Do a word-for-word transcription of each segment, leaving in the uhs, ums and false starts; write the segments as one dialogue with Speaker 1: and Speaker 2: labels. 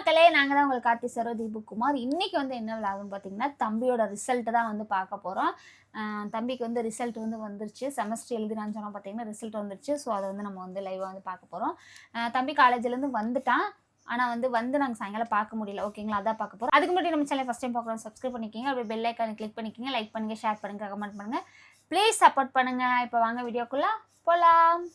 Speaker 1: மக்களே, நாங்க தான் உங்கள் கார்த்தி சரோ தீபக்குமார். இன்னைக்கு வந்து என்ன விளாகுன்னு பார்த்தீங்கன்னா, தம்பியோட ரிசல்ட் தான் வந்து பார்க்க போகிறோம். தம்பிக்கு வந்து ரிசல்ட் வந்து வந்துருச்சு. செமஸ்டர் எழுதினான்னு சொன்னால் பார்த்தீங்கன்னா ரிசல்ட் வந்துருச்சு. ஸோ அதை வந்து நம்ம வந்து லைவாக வந்து பார்க்க போகிறோம். தம்பி காலேஜ்லேருந்து வந்துட்டான். ஆனால் வந்து வந்து நாங்கள் சாயங்காலம் பார்க்க முடியல. ஓகேங்களா, அதான் பார்க்க போகிறோம். அதுக்கு முன்னாடி நம்ம சேனல் ஃபஸ்ட் டைம் பார்க்குறோம், சப்ஸ்கிரைப் பண்ணிக்கிங்க. அப்படியே பெல் ஐக்கானை கிளிக் பண்ணிக்கிங்க. லைக் பண்ணுங்கள், ஷேர் பண்ணுங்கள், கமெண்ட் பண்ணுங்கள். ப்ளீஸ் சப்போர்ட் பண்ணுங்கள். இப்போ வாங்க வீடியோக்குள்ளே போகலாம்.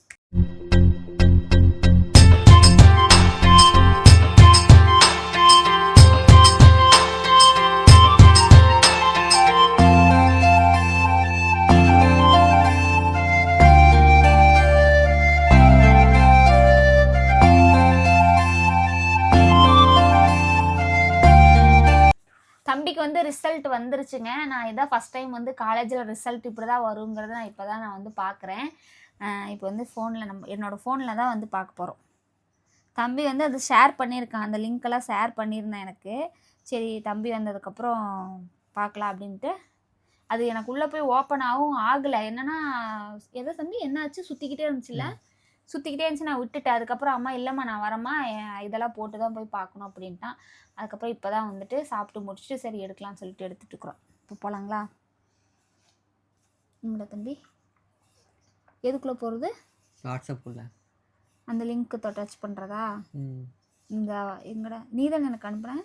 Speaker 1: தம்பிக்கு வந்து ரிசல்ட் வந்துருச்சுங்க. நான் இதான் ஃபஸ்ட் டைம் வந்து காலேஜில் ரிசல்ட் இப்படி தான் வருங்கிறத நான் இப்போ தான் நான் வந்து பார்க்குறேன். இப்போ வந்து ஃபோனில் நம்ம என்னோடய ஃபோனில் தான் வந்து பார்க்க போகிறோம். தம்பி வந்து அது ஷேர் பண்ணியிருக்கான், அந்த லிங்க்கெல்லாம் ஷேர் பண்ணியிருந்தேன் எனக்கு. சரி, தம்பி வந்ததுக்கப்புறம் பார்க்கலாம் அப்படின்ட்டு. அது எனக்கு உள்ளே போய் ஓப்பன் ஆகும் ஆகலை. என்னென்னா எதோ தம்பி என்னாச்சு, சுற்றிக்கிட்டே இருந்துச்சுல்ல, சுற்றிக்கிட்டே இருந்துச்சு. நான் விட்டுட்டேன். அதுக்கப்புறம் அம்மா இல்லைம்மா நான் வரம்மா, இதெல்லாம் போட்டு தான் போய் பார்க்கணும் அப்படின்ட்டான். அதுக்கப்புறம் இப்போ தான் வந்துட்டு சாப்பிட்டு முடிச்சுட்டு சரி எடுக்கலாம்னு சொல்லிட்டு எடுத்துகிட்டு இருக்கிறோம். இப்போ போகலாங்களா? உங்களோட தம்பி எதுக்குள்ளே போகிறது? வாட்ஸ்அப்புள்ள அந்த லிங்க்கு டச் பண்ணுறதா? இந்த எங்கடா நீ தானே எனக்கு அனுப்புகிறேன்.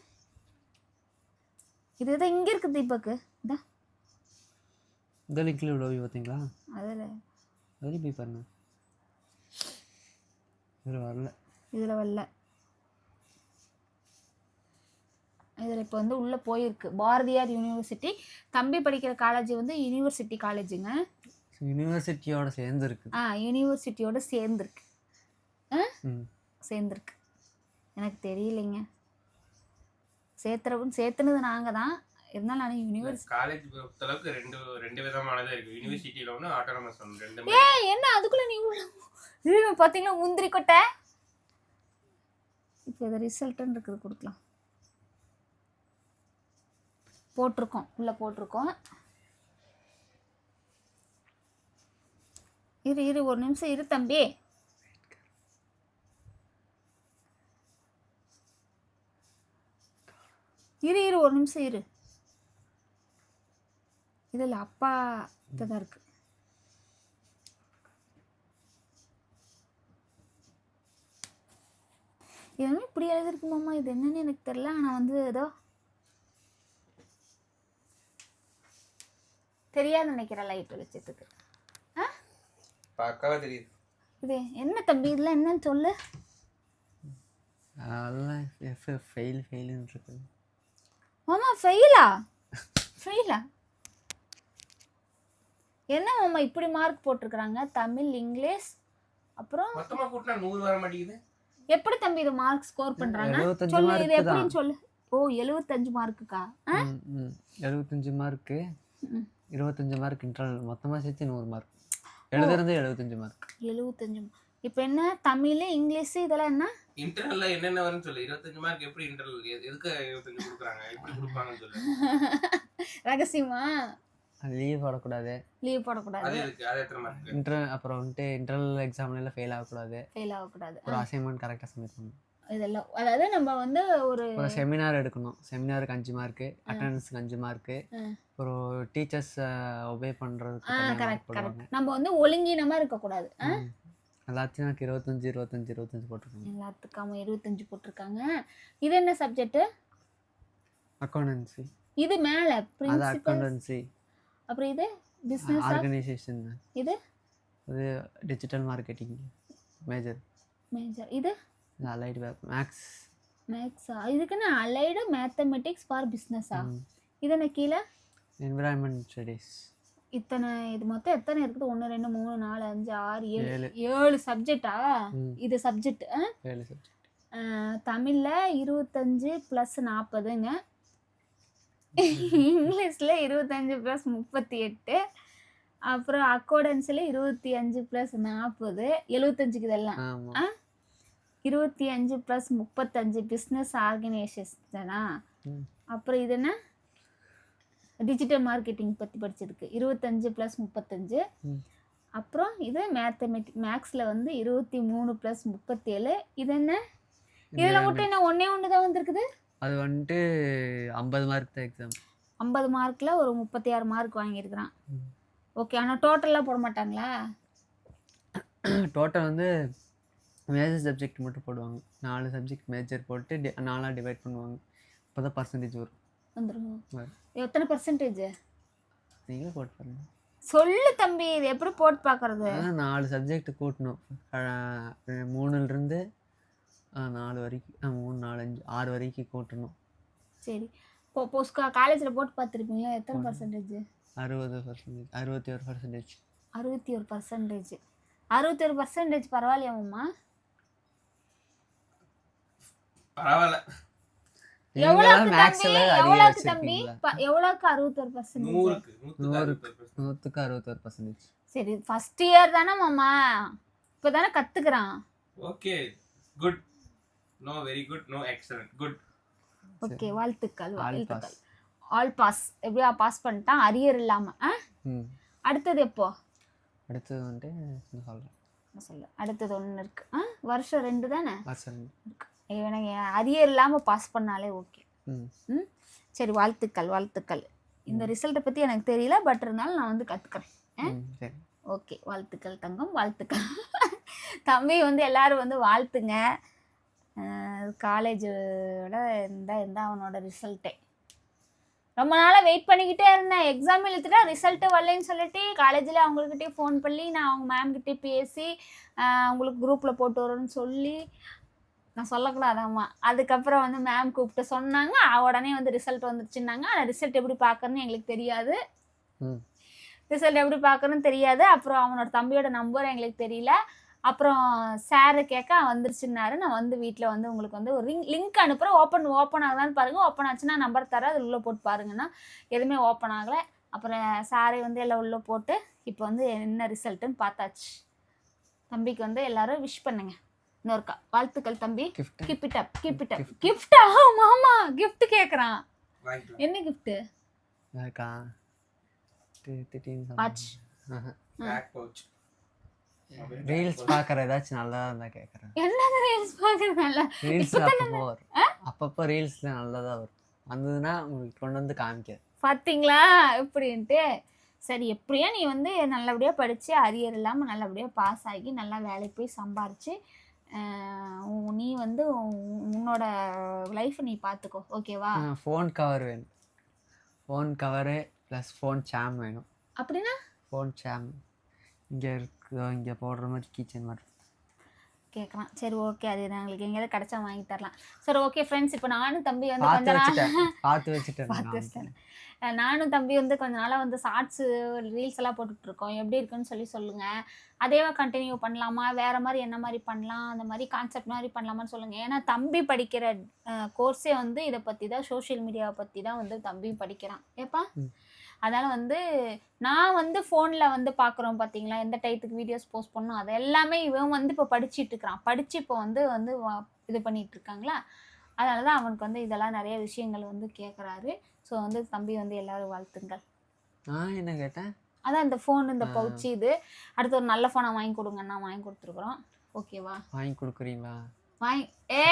Speaker 1: இது தான் இங்கே இருக்குது தீபக்கு. இதா இந்த லிங்க்ல உள்ள போய் பார்த்தீங்களா? அதில் வெளியே போய் பாருங்க. இதில் வரல, இதில் வரல. இதில் இப்போ வந்து உள்ளே போயிருக்கு. பாரதியார் யூனிவர்சிட்டி. தம்பி படிக்கிற காலேஜ் வந்து யூனிவர்சிட்டி காலேஜுங்க. யூனிவர்சிட்டியோட சேர்ந்துருக்கு. ஆ யூனிவர்சிட்டியோட சேர்ந்துருக்கு. ஆ சேர்ந்துருக்கு. எனக்கு தெரியலைங்க. சேர்த்துறவும் சேர்த்துனது நாங்கள் தான். இருந்தாலும் நான் யூனிவர்சிட்டி
Speaker 2: காலேஜ் பொறுத்தளவுக்கு ரெண்டு ரெண்டு விதமானதாக இருக்குது. யூனிவர்சிட்டியில் ஒன்று, ஆட்டோனமஸ் ஒன்று, ரெண்டு.
Speaker 1: ஏ என்ன அதுக்குள்ளே நீ பார்த்தீங்களா முந்திரி கொட்டை. இப்போ இதை ரிசல்ட்டுன்னு இருக்குது, கொடுக்கலாம். போட்டிருக்கோம், உள்ளே போட்டிருக்கோம். இரு இரு ஒரு நிமிஷம் இரு தம்பி. இரு இரு ஒரு நிமிஷம் இரு. இதில் அப்பா தான் இருக்கு. இதெல்லாம் இப்படி எழுதிருக்குமாம்மா, இது என்னன்னு எனக்கு தெரியல. ஆனால் வந்து ஏதோ தெரியாது நினைக்கிறேன் லைட் வெளிச்சத்துக்கு. ஆ
Speaker 2: பக்காவா தெரியுது.
Speaker 1: இது என்ன தம்பி, இதெல்லாம் என்னன்னு சொல்லு.
Speaker 3: அதெல்லாம் எஃப் ஃபெயில் ஃபெயில்னு இருக்கு.
Speaker 1: மாமா ஃபெயிலா? ஃபெயிலா? என்ன மாமா இப்படி மார்க் போட்டிருக்கிறாங்க? தமிழ், இங்கிலீஷ், அப்புறம்
Speaker 2: மொத்தமா கூட்டினா நூறு வர மாட்டேங்குது.
Speaker 1: எப்படி தம்பி இது மார்க் ஸ்கோர் பண்றாங்க? சொல்லு, இது எப்படின்னு சொல்லு. ஓ எழுபத்தஞ்சு மார்க்குக்கா?
Speaker 3: எழுபத்தஞ்சு மார்க்கு, இருபத்தஞ்சு மார்க் இன்டர்னல், மொத்தமாக சேர்த்து நூறு மார்க். எழுதுறது எழுபத்தஞ்சு மார்க். எழுபத்தஞ்சு. இப்போ என்ன தமிழ், இங்கிலீஷ் இதெல்லாம் என்ன
Speaker 2: இன்டர்னல்ல என்னென்ன வரும்னு சொல்லு. இருபத்தஞ்சு மார்க் எப்படி இன்டர்னல், எதுக்கு இருபத்தஞ்சு கொடுக்குறாங்க, எப்படி கொடுப்பாங்கன்னு சொல்லு.
Speaker 1: ரகசியமா?
Speaker 3: லீவ் போடக்கூடாது.
Speaker 1: லீவ் போடக்கூடாது.
Speaker 2: அது இருக்கு. அது எத்தனை மார்க்?
Speaker 3: இன்டர் அப்புறம் வந்துட்டு இன்டர்னல் எக்ஸாம்ல ஃபெயில் ஆகக்கூடாது.
Speaker 1: ஃபெயில் ஆகக்கூடாது.
Speaker 3: ஒரு அசைன்மெண்ட் கரெக்டாக சப்மிட் பண்ணணும்.
Speaker 1: இதெல்லாம் அதாவது நம்ம வந்து ஒரு
Speaker 3: ஒரு செமினார் எடுக்கணும். செமினாருக்கு அஞ்சு மார்க்கு, அட்டெண்டன்ஸுக்கு அஞ்சு மார்க்கு, ஒரு டீச்சர்ஸ் ஒபே பண்ணுறதுக்கு
Speaker 1: கரெக்ட் கரெக்ட். நம்ம வந்து ஒழுங்கீனமாக இருக்கக்கூடாது.
Speaker 3: எல்லாத்தையும் எனக்கு இருபத்தஞ்சு இருபத்தஞ்சு இருபத்தஞ்சு போட்டிருக்காங்க.
Speaker 1: எல்லாத்துக்காம இருபத்தஞ்சு போட்டிருக்காங்க. இது என்ன சப்ஜெக்ட்?
Speaker 3: அக்கௌண்டன்சி.
Speaker 1: இது மேலே
Speaker 3: அது அக்கௌண்டன்சி.
Speaker 1: அப்புறம் இது பிஸ்னஸ்
Speaker 3: ஆர்கனைசேஷன்.
Speaker 1: இது
Speaker 3: இது டிஜிட்டல் மார்க்கெட்டிங் மேஜர்.
Speaker 1: மேஜர். இது
Speaker 3: அலைடு மேக்ஸ்.
Speaker 1: மேக்ஸா? இதுக்குன்னு அலைடு மேத்தமெட்டிக்ஸ் ஃபார் பிஸ்னஸா? இது என்ன கீழே?
Speaker 3: Environment studies.
Speaker 1: இத்தனை இது மொத்தம் எத்தனை இருக்குது? ஒன்று ரெண்டு மூணு நாலு அஞ்சு ஆறு ஏழு ஏழு சப்ஜெக்டா? இது சப்ஜெக்ட்.
Speaker 3: ஏழு சப்ஜெக்ட்.
Speaker 1: தமிழில் இருபத்தஞ்சு ப்ளஸ் நாற்பதுங்க, இங்கிலீஷில் இருபத்தஞ்சு ப்ளஸ் முப்பத்தி எட்டு, அப்புறம் அக்கௌண்டன்ஸில் இருபத்தி அஞ்சு ப்ளஸ் நாற்பது, எழுபத்தஞ்சுக்கு இதெல்லாம். ஆ இருபத்தி அஞ்சு ப்ளஸ் முப்பத்தஞ்சு பிஸ்னஸ் ஆர்கனைசேஷனா? அப்புறம் இது என்ன டிஜிட்டல் மார்க்கெட்டிங் பற்றி படித்ததுக்கு இருபத்தஞ்சு ப்ளஸ் முப்பத்தஞ்சு. அப்புறம் இது மேத்தமெட்டிக் மேக்ஸில் வந்து இருபத்தி மூணு ப்ளஸ் முப்பத்தேழு. இது என்ன இதுல மட்டும் என்ன ஒண்ணே ஒன்று தான் வந்திருக்குது?
Speaker 3: அது வந்துட்டு ஐம்பது மார்க் தான் எக்ஸாம்.
Speaker 1: ஐம்பது மார்க்கில் ஒரு முப்பத்தி ஆறு மார்க் வாங்கியிருக்கிறான். ஓகே, ஆனால் டோட்டலாக போட மாட்டாங்களா?
Speaker 3: டோட்டல் வந்து மேஜர் சப்ஜெக்ட் மட்டும் போடுவாங்க. நாலு சப்ஜெக்ட் மேஜர் போட்டு டி நாலாக டிவைட் பண்ணுவாங்க. அப்போ தான் பர்சன்டேஜ் வரும்.
Speaker 1: வந்துடும். எத்தனை பர்சன்டேஜ்
Speaker 3: நீங்களே போட்டு பாருங்க.
Speaker 1: சொல்லு தம்பி, இது எப்படி போட்டு பார்க்கறது?
Speaker 3: அதான் நாலு சப்ஜெக்ட் கூட்டணும். மூணுலேருந்து நாலு வரைக்கும், மூணு நாலு அஞ்சு ஆறு வரைக்கும் கூட்டணும்.
Speaker 1: சரி, இப்போ போஸ்ட் காலேஜில் போட்டு பார்த்துருப்பீங்களா? எத்தனை பர்சன்டேஜ்?
Speaker 3: அறுபது பர்சன்டேஜ் அறுபத்தி ஒரு பர்சன்டேஜ்
Speaker 1: அறுபத்தி ஒரு பர்சன்டேஜ் அறுபத்தி ஒரு பர்சன்டேஜ் பரவாயில்லையாம்மா?
Speaker 2: பரவாயில்ல.
Speaker 1: எவ்வளவுக்கு தம்பி? எவ்வளவுக்கு தம்பி? எவ்வளவுக்கு அறுபத்தி ஒரு பர்சன்டேஜ்?
Speaker 2: நூறுக்கு
Speaker 3: நூற்றுக்கு அறுபத்தி ஒரு பர்சன்டேஜ்.
Speaker 1: சரி, ஃபர்ஸ்ட் இயர் தானே மாமா, இப்போதானே கத்துக்கிறான்.
Speaker 2: Okay, good. No very good, no excellent, good.
Speaker 1: Okay, வாழ்த்துக்கள் வாழ்த்துக்கள். All pass. எப்படியா பாஸ் பண்ணிட்டான், அரியர் இல்லாம. அடுத்தது எப்போ?
Speaker 3: அடுத்தது வந்துட்டு சொல்றேன்
Speaker 1: சொல்லு. அடுத்தது ஒன்று இருக்கு. ஆ வருஷம் ரெண்டு தானே
Speaker 3: வருஷம்
Speaker 1: இருக்கு. எனக்கு அரியர் இல்லாமல் பாஸ் பண்ணாலே ஓகே. ம் சரி, வாழ்த்துக்கள் வாழ்த்துக்கள். இந்த ரிசல்ட்டை பற்றி எனக்கு தெரியல, பட் இருந்தாலும் நான் வந்து கற்றுக்குறேன். ஓகே, வாழ்த்துக்கள் தங்கம், வாழ்த்துக்கள். தம்பி வந்து எல்லாரும் வந்து வாழ்த்துங்க. காலேஜோட இந்த இந்த அவனோட ரிசல்ட்டே ரொம்ப நாளாக வெயிட் பண்ணிக்கிட்டே இருந்தேன். எக்ஸாம் எழுத்துட்டா ரிசல்ட்டு வரலைன்னு சொல்லிட்டு காலேஜில் அவங்கக்கிட்டே ஃபோன் பண்ணி நான் அவங்க மேம்கிட்டே பேசி அவங்களுக்கு குரூப்பில் போட்டு வரேன்னு சொல்லி, நான் சொல்லக்கூடாதாம்மா. அதுக்கப்புறம் வந்து மேம் கூப்பிட்டு சொன்னாங்க, உடனே வந்து ரிசல்ட் வந்துருச்சுன்னாங்க. ஆனால் ரிசல்ட் எப்படி பார்க்கறன்னு எங்களுக்கு தெரியாது. ரிசல்ட் எப்படி பார்க்கறன்னு தெரியாது. அப்புறம் அவனோட தம்பியோட நம்பர் எங்களுக்கு தெரியல. அப்புறம் சாரை கேட்க வந்துருச்சுன்னாரு. நான் வந்து வீட்டில் வந்து உங்களுக்கு வந்து ஒரு லிங்க் லிங்க் அனுப்புகிறேன். ஓப்பன் ஓப்பன் ஆகலான்னு பாருங்கள். ஓப்பன் ஆச்சுன்னா நம்பர் தரேன், அதில் உள்ளே போட்டு பாருங்கன்னா எதுவுமே ஓப்பன் ஆகலை. அப்புறம் சாரை வந்து எல்லாம் உள்ளே போட்டு இப்போ வந்து என்ன ரிசல்ட்டுன்னு பார்த்தாச்சு. தம்பிக்கு வந்து எல்லாரும் விஷ் பண்ணுங்க. இன்னொருக்கா வாழ்த்துக்கள் தம்பி. Keep it up keep it up. கிஃப்டா? மாமா கிஃப்ட் கேட்குறான். என்ன கிஃப்ட்டு? வாட்ச்.
Speaker 3: ரீல்ஸ் பார்க்குற ஏதாச்சும் நல்லா இருந்தா கேட்குறேன்.
Speaker 1: என்னது ரீல்ஸ் பார்க்குறது? நல்லா
Speaker 3: ரீல்ஸ் அப்பப்போ வரும். அப்பப்போ ரீல்ஸ் நல்லதாக வரும். வந்ததுன்னா உங்களுக்கு கொண்டு வந்து காமிக்க
Speaker 1: பார்த்தீங்களா எப்படின்ட்டு. சரி, எப்படியா நீ வந்து நல்லபடியாக படித்து அரியர் இல்லாமல் நல்லபடியாக பாஸ் ஆகி நல்லா வேலைக்கு போய் சம்பாரித்து நீ வந்து உன்னோட லைஃப் நீ பார்த்துக்கோ, ஓகேவா?
Speaker 3: ஃபோன் கவர் வேணும். ஃபோன் கவரு ப்ளஸ் ஃபோன் சாம் வேணும்.
Speaker 1: அப்படின்னா
Speaker 3: ஃபோன் சாம் இங்கே இருக்குதோ, இங்கே போடுற மாதிரி கீச்சன் மாதிரி
Speaker 1: கேட்குறான். சரி ஓகே, அது எங்களுக்கு எங்கேயாவது கிடச்சா வாங்கி தரலாம். சரி ஓகே ஃப்ரெண்ட்ஸ், இப்போ நானும் தம்பி வந்து கொஞ்ச நாள்
Speaker 3: பார்த்து வச்சுட்டேன்
Speaker 1: பார்த்து வச்சுட்டேன் நானும் தம்பி வந்து கொஞ்ச நாளாக வந்து ஷார்ட்ஸு ரீல்ஸ் எல்லாம் போட்டுட்ருக்கோம். எப்படி இருக்குன்னு சொல்லி சொல்லுங்கள். அதேவா கண்டினியூ பண்ணலாமா, வேறு மாதிரி என்ன மாதிரி பண்ணலாம், அந்த மாதிரி கான்செப்ட் மாதிரி பண்ணலாமான்னு சொல்லுங்கள். ஏன்னா தம்பி படிக்கிற கோர்ஸே வந்து இதை பற்றி தான், சோஷியல் மீடியாவை பற்றி தான் வந்து தம்பி படிக்கிறான். ஏப்பா அதனால் வந்து நான் வந்து ஃபோனில் வந்து பார்க்குறோம் பார்த்தீங்களா, எந்த டைத்துக்கு வீடியோஸ் போஸ்ட் பண்ணணும், அது எல்லாமே இவன் வந்து இப்போ படிச்சுட்டு இருக்கிறான். படித்து இப்போ வந்து வந்து இது பண்ணிகிட்டு இருக்காங்களா, அதனால தான் அவனுக்கு வந்து இதெல்லாம் நிறைய விஷயங்கள் வந்து கேட்குறாரு. ஸோ வந்து தம்பி வந்து எல்லோரும் வாழ்த்துங்கள்.
Speaker 3: நான் என்ன கேட்டேன்,
Speaker 1: அதான் இந்த ஃபோன், இந்த பவுச்சு, இது அடுத்து ஒரு நல்ல ஃபோனை வாங்கி கொடுங்கன்னா வாங்கி கொடுத்துருக்குறோம். ஓகேவா?
Speaker 3: வாங்கி கொடுக்குறீங்களா?
Speaker 1: வாங்கி ஏ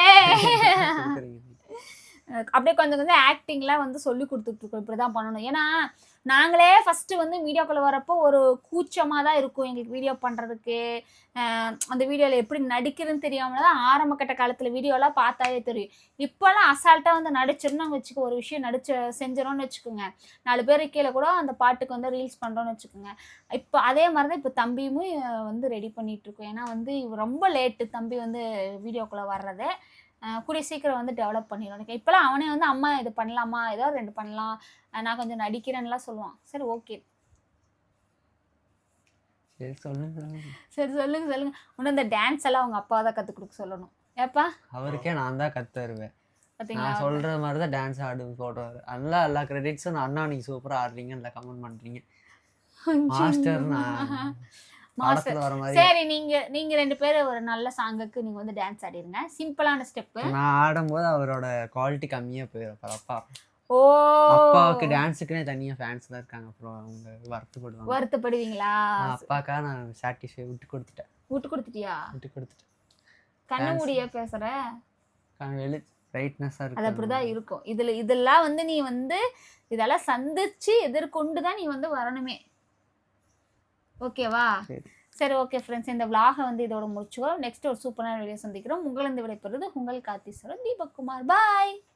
Speaker 1: அப்படியே கொஞ்சம் கொஞ்சம் ஆக்டிங்லாம் வந்து சொல்லி கொடுத்துட்ருக்கோம், இப்படி தான் பண்ணணும். ஏன்னா நாங்களே ஃபஸ்ட்டு வந்து வீடியோக்குள்ளே வரப்போ ஒரு கூச்சமாக தான் இருக்கும் எங்களுக்கு வீடியோ பண்ணுறதுக்கு. அந்த வீடியோவில் எப்படி நடிக்கிறதுன்னு தெரியாமல் தான் ஆரம்ப கட்ட காலத்தில் வீடியோலாம் பார்த்தாவே தெரியும். இப்போல்லாம் அசால்ட்டாக வந்து நடிச்சிடணும்னு வச்சுக்கோ, ஒரு விஷயம் நடிச்சு செஞ்சிடணும்னு வச்சுக்கோங்க, நாலு பேர் கீழே கூட அந்த பாட்டுக்கு வந்து ரீல்ஸ் பண்ணுறோன்னு வச்சுக்கோங்க. இப்போ அதே மாதிரி தான் இப்போ தம்பியும் வந்து ரெடி பண்ணிகிட்ருக்கோம். ஏன்னா வந்து ரொம்ப லேட்டு தம்பி வந்து வீடியோக்குள்ளே வர்றதே. கூடிய சீக்கிரம் வந்து டெவலப் பண்ணிடுவோம். இப்போலாம் அவனே வந்து அம்மா இது பண்ணலாமா, ஏதோ ரெண்டு பண்ணலாம், நான் கொஞ்சம் நடிக்கிறேன்னுலாம் சொல்லுவான். சரி ஓகே,
Speaker 3: சரி சொல்லுங்க
Speaker 1: சரி சொல்லுங்க சொல்லுங்க. இன்னும் இந்த டான்ஸ் எல்லாம் அவங்க அப்பா தான் கற்றுக் கொடுக்க சொல்லணும். ஏப்பா
Speaker 3: அவருக்கே நான் தான் கற்று தருவேன். நான் சொல்கிற மாதிரி தான் டான்ஸ் ஆடு போடுவார். நல்லா எல்லா கிரெடிட்ஸும் நான் அண்ணா நீங்கள் சூப்பராக ஆடுறீங்க, நல்லா கமெண்ட் பண்ணுறீங்க. மாஸ்டர் நான்
Speaker 1: சரி, நீங்க நீங்க ரெண்டு பேரும் ஒரு நல்ல சாங்குக்கு நீங்க வந்து டான்ஸ் ஆடிருங்க. சிம்பிளான ஸ்டெப்.
Speaker 3: நான் ஆடும்போது அவரோட குவாலிட்டி கம்மியா போயிடும். அப்பா
Speaker 1: ஓ
Speaker 3: அப்பாவுக்கு டான்ஸுக்குனே தனியா ஃபேன்ஸ் தான் இருக்காங்க. அப்புறம் அவங்க வருத்தப்படுவாங்க.
Speaker 1: வருத்தப்படுவீங்களா?
Speaker 3: அப்பாக்கா நான் சாட்டிஸ்ஃபை விட்டு கொடுத்துட்டேன்.
Speaker 1: விட்டு கொடுத்துட்டியா?
Speaker 3: விட்டு கொடுத்துட்டேன்.
Speaker 1: கண்ண மூடியா பேசுற?
Speaker 3: வெளி பிரைட்னஸாக
Speaker 1: அது
Speaker 3: இருக்கு.
Speaker 1: அப்படிதான் இருக்கும். இதுல இதெல்லாம் வந்து நீ வந்து இதெல்லாம் சந்திச்சு எதிர்கொண்டு தான் நீ வந்து வரணுமே. ஓகேவா?
Speaker 3: சரி.
Speaker 1: சரி ஓகே ஃப்ரெண்ட்ஸ், இந்த விலாகை வந்து இதோட முடிச்சுக்கோ. நெக்ஸ்ட் ஒரு சூப்பரான வீடியோ சந்திக்கிறோம். உங்களிருந்து விடைபெறுவது உங்கள் கார்த்தி சரத் தீபக் குமார். பாய்.